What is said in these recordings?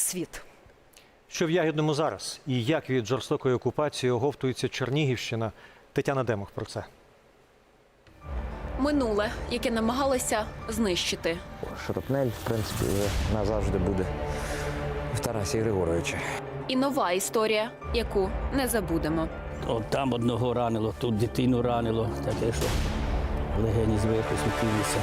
світ. Що в Ягідному зараз? І як від жорстокої окупації оговтується Чернігівщина? Тетяна Демух про це. Минуле, яке намагалися знищити. Шрапнель, в принципі, вже назавжди буде в Тарасі Григоровича. І нова історія, яку не забудемо. От там одного ранило, тут дитину ранило, таке, що легені зверху сутулися.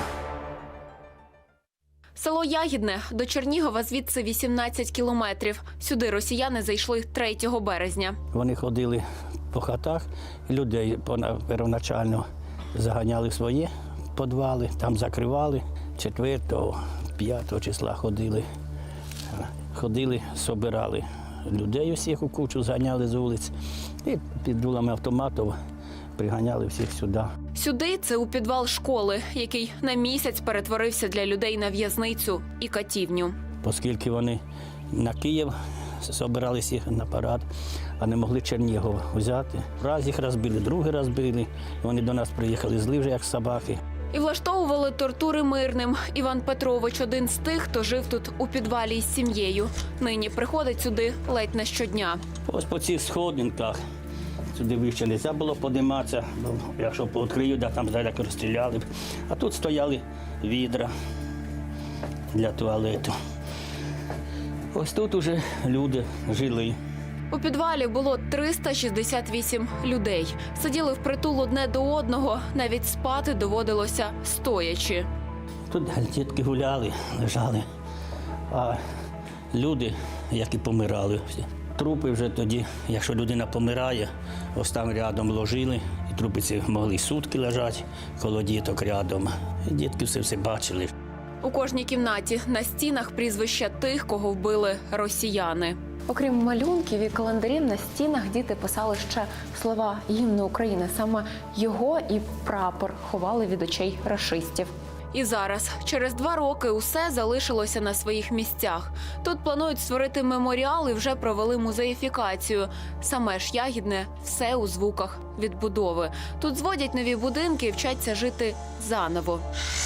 Село Ягідне до Чернігова звідси 18 кілометрів. Сюди росіяни зайшли 3 березня. Вони ходили по хатах, людей первоначально заганяли в свої підвали, там закривали. 4-5 числа ходили, собирали людей усіх у кучу, зганяли з вулиць і під дулами автоматів приганяли всіх сюди. Сюди – це у підвал школи, який на місяць перетворився для людей на в'язницю і катівню. Оскільки вони на Київ збиралися на парад, а не могли Чернігов взяти. Раз їх розбили, другий раз били. Вони до нас приїхали злі вже, як собаки. І влаштовували тортури мирним. Іван Петрович – один з тих, хто жив тут у підвалі із сім'єю. Нині приходить сюди ледь не щодня. Ось по цих сходинках. Сюди вище не можна було підніматися, бо якщо пооткрию, там здалеку розстріляли б. А тут стояли відра для туалету. Ось тут уже люди жили. У підвалі було 368 людей. Сиділи впритул одне до одного, навіть спати доводилося стоячи. Тут дітки гуляли, лежали, а люди, які помирали всі. Трупи вже тоді, якщо людина помирає, ось там рядом ложили, і трупи ці могли сутки лежати коло діток рядом. І дітки все бачили. У кожній кімнаті на стінах прізвища тих, кого вбили росіяни. Окрім малюнків і календарів, на стінах діти писали ще слова гімну України. Саме його і прапор ховали від очей рашистів. І зараз, через 2 роки, усе залишилося на своїх місцях. Тут планують створити меморіал і вже провели музеїфікацію. Саме ж Ягідне – все у звуках відбудови. Тут зводять нові будинки і вчаться жити заново.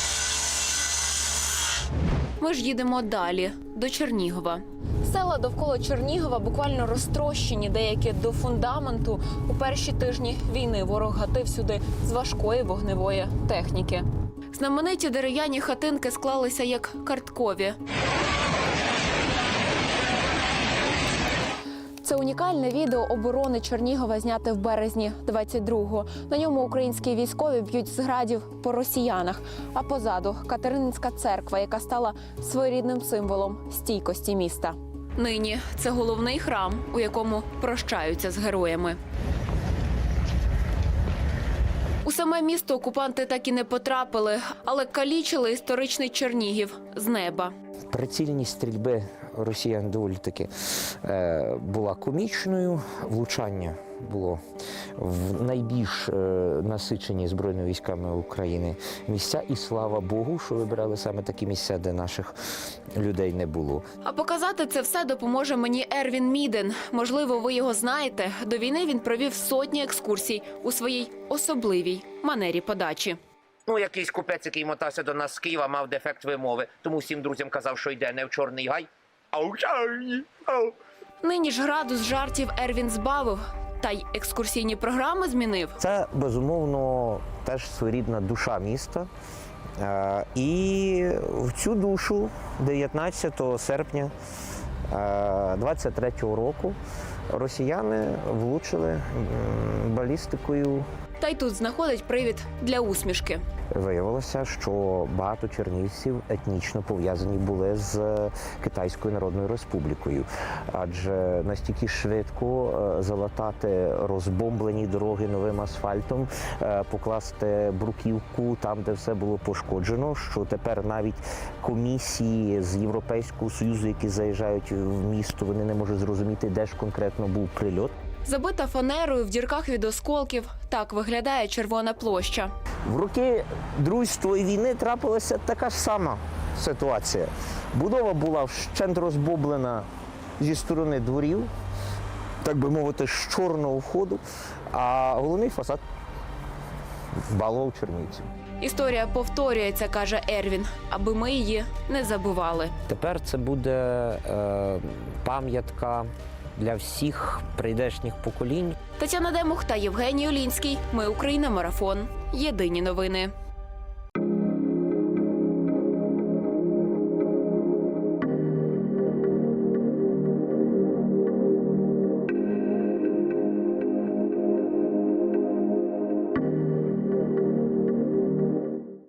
Ми ж їдемо далі, до Чернігова. Села довкола Чернігова буквально розтрощені, деякі до фундаменту. У перші тижні війни ворог гатив сюди з важкої вогневої техніки. Знамениті дерев'яні хатинки склалися як карткові. Це унікальне відео оборони Чернігова, зняте в березні 22-го. На ньому українські військові б'ють з градів по росіянах. А позаду – Катерининська церква, яка стала своєрідним символом стійкості міста. Нині це головний храм, у якому прощаються з героями. У саме місто окупанти так і не потрапили, але калічили історичний Чернігів з неба. Прицільність стрільби росіян доволі таки була комічною. Влучання було в найбільш насичені Збройними військами України місця. І слава Богу, що вибирали саме такі місця, де наших людей не було. А показати це все допоможе мені Ервін Міден. Можливо, ви його знаєте. До війни він провів сотні екскурсій у своїй особливій манері подачі. Якийсь купець, який мотався до нас з Києва, мав дефект вимови. Тому всім друзям казав, що йде не в Чорний Гай, а в Чорний. Нині ж градус жартів Ервін збавив. Та й екскурсійні програми змінив. Це, безумовно, теж своєрідна душа міста. І в цю душу 19 серпня 23-го року росіяни влучили балістикою. Та й тут знаходить привід для усмішки. Виявилося, що багато чернігівців етнічно пов'язані були з Китайською Народною Республікою. Адже настільки швидко залатати розбомблені дороги новим асфальтом, покласти бруківку там, де все було пошкоджено, що тепер навіть комісії з Європейського Союзу, які заїжджають в місто, вони не можуть зрозуміти, де ж конкретно був прильот. Забита фанерою, в дірках від осколків. Так виглядає Червона площа. В роки Другої війни трапилася така ж сама ситуація. Будова була вщент розбомблена зі сторони дворів, так би мовити, з чорного входу, а головний фасад балов чернівців. Історія повторюється, каже Ервін, аби ми її не забували. Тепер це буде пам'ятка для всіх прийдешніх поколінь. Тетяна Демух та Євгеній Олінський. Ми Україна. Марафон. Єдині новини.